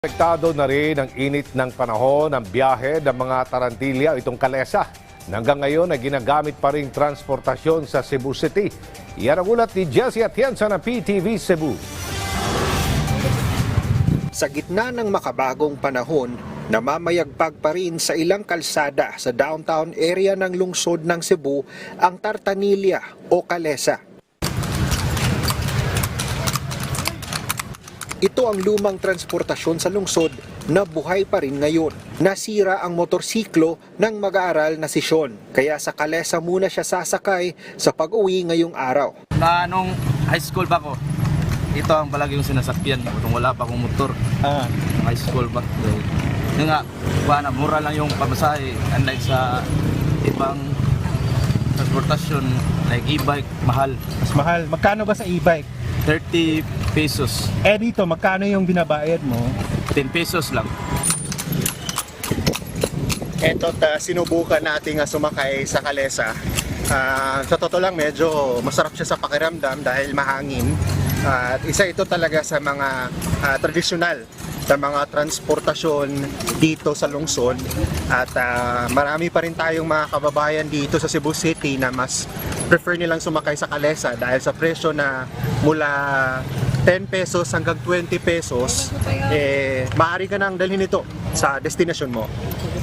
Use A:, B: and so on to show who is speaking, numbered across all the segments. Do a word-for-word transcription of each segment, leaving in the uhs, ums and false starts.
A: Apektado na rin ang init ng panahon ng biyahe ng mga tarantilya itong kalesa. Hanggang ngayon ay ginagamit pa rin transportasyon sa Cebu City. Yan ang ulat ni Jessie Atienza ng P T V Cebu.
B: Sa gitna ng makabagong panahon, namamayagpag pa rin sa ilang kalsada sa downtown area ng lungsod ng Cebu ang tartanilya o kalesa. Ito ang lumang transportasyon sa lungsod na buhay pa rin ngayon. Nasira ang motorsiklo ng mag-aaral na si Sean, kaya sa kalesa muna siya sasakay sa pag-uwi ngayong araw.
C: Na nung high school pa ko, ito ang palagi yung sinasakyan kung wala pa akong motor. Ah. High school ba? Yung nga, na, mura lang yung pamasahe, unlike sa ibang transportasyon like e-bike, mahal.
D: Mas mahal. Magkano ba sa e-bike?
C: thirty pesos.
D: Eh dito, magkano yung binabayad mo?
C: ten pesos lang.
E: Eto, ta, sinubukan natin nga sumakay sa kalesa. Uh, sa totoo lang, medyo masarap siya sa pakiramdam dahil mahangin. Uh, at isa ito talaga sa mga uh, tradisyonal sa mga transportasyon dito sa lungsod. At uh, marami pa rin tayong mga kababayan dito sa Cebu City na mas prefer nilang sumakay sa kalesa dahil sa presyo na mula ten pesos hanggang twenty pesos, eh, maaari ka nang dalhin ito sa destinasyon mo.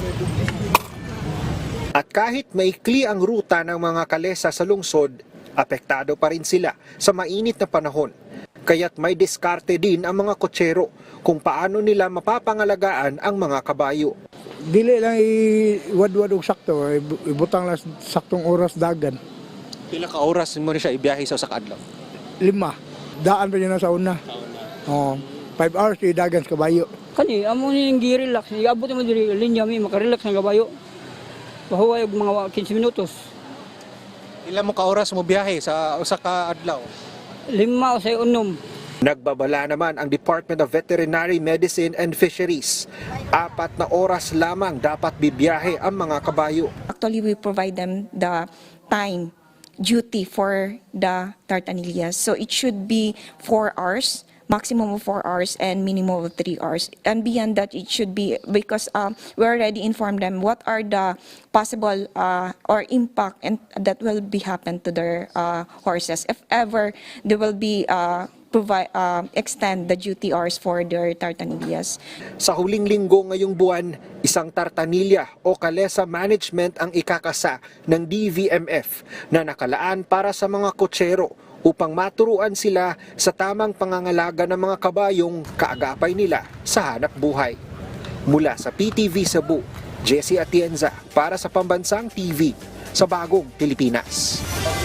B: At kahit maikli ang ruta ng mga kalesa sa lungsod, apektado pa rin sila sa mainit na panahon. Kaya't may diskarte din ang mga kotsero kung paano nila mapapangalagaan ang mga kabayo.
F: Dili lang iwadwad og sakto, ibutang lang saktong oras dagan.
B: Pila ka oras mo rin siya ibiyahe sa sakadlaw?
F: Lima. Daan pa niya na sa una. Oh, five hours di dagan sa kabayo.
G: Kani amo ni ngi relax, iabot mo diri linya mi makarelax ang kabayo. Pahuway og mga fifteen minutos.
B: Ilan mo ka oras mo biyahe sa usa ka adlaw?
G: Lima o say unom.
B: Nagbabala naman ang Department of Veterinary Medicine and Fisheries. Apat na oras lamang dapat bibiyahe ang mga kabayo.
H: Actually, we provide them the time duty for the tartanillas. So it should be four hours, maximum of four hours and minimum of three hours. And beyond that, it should be, because um, we already informed them what are the possible uh, or impact and that will be happen to their uh, horses. If ever there will be uh, provide uh, extend the duty hours for their tartanillas.
B: Sa huling linggo ngayong buwan, isang tartanilya o kalesa management ang ikakasa ng D V M F na nakalaan para sa mga kotsero upang maturuan sila sa tamang pangangalaga ng mga kabayong kaagapay nila sa hanap buhay. Mula sa P T V Cebu, Jessie Atienza para sa Pambansang T V sa Bagong Pilipinas.